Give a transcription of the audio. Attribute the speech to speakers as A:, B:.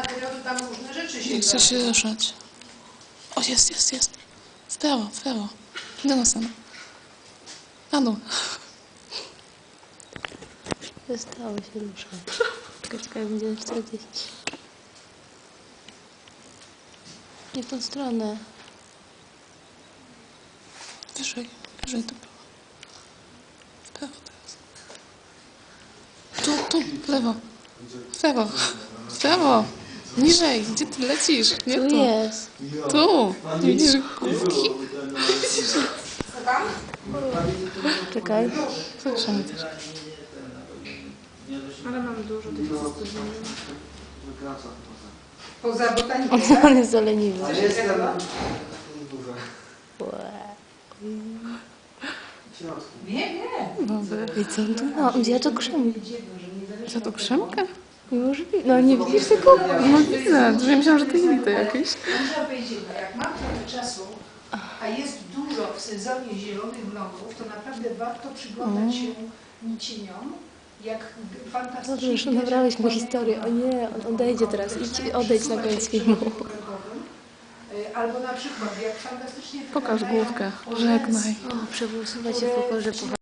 A: materiału, to tam różne rzeczy się
B: Nie chce się ruszać. O, jest. W prawo. Do nas na dół.
C: Przestało się ruszać. Czekaj, będzie 40. Nie w tą stronę.
B: Wyżej do prawa. W prawo teraz. Tu, w prawo. Niżej, gdzie ty lecisz? Nie
C: Tu
B: tu.
C: jest.
B: Tu. Nie widzisz główki?
C: Czekaj.
B: Zatrzymaj też.
A: Ale mam dużo tych poza botaniką.
C: On jest zaleniwy.
D: Ale jest tam dużo.
A: Nie.
C: I co on tu ma? Gdzie ja to krzemię?
B: Co to, krzemka?
C: Niemożliwe. No nie widzisz tego?
B: No widzę. Ja myślałam, że to inny jakieś.
A: Muszę powiedzieć, jak mam trochę czasu, a jest dużo w sezonie zielonych vlogów, to naprawdę warto przyglądać się nicieniom, jak fantastycznie...
C: Dobrze, już nabrałeś mu historię. O nie, on odejdzie teraz. Odejdź na koniec filmu.
A: Albo na przykład, jak fantastycznie...
B: Pokaż główkę. Żegnaj.
C: O, przegłosować się w pokorze.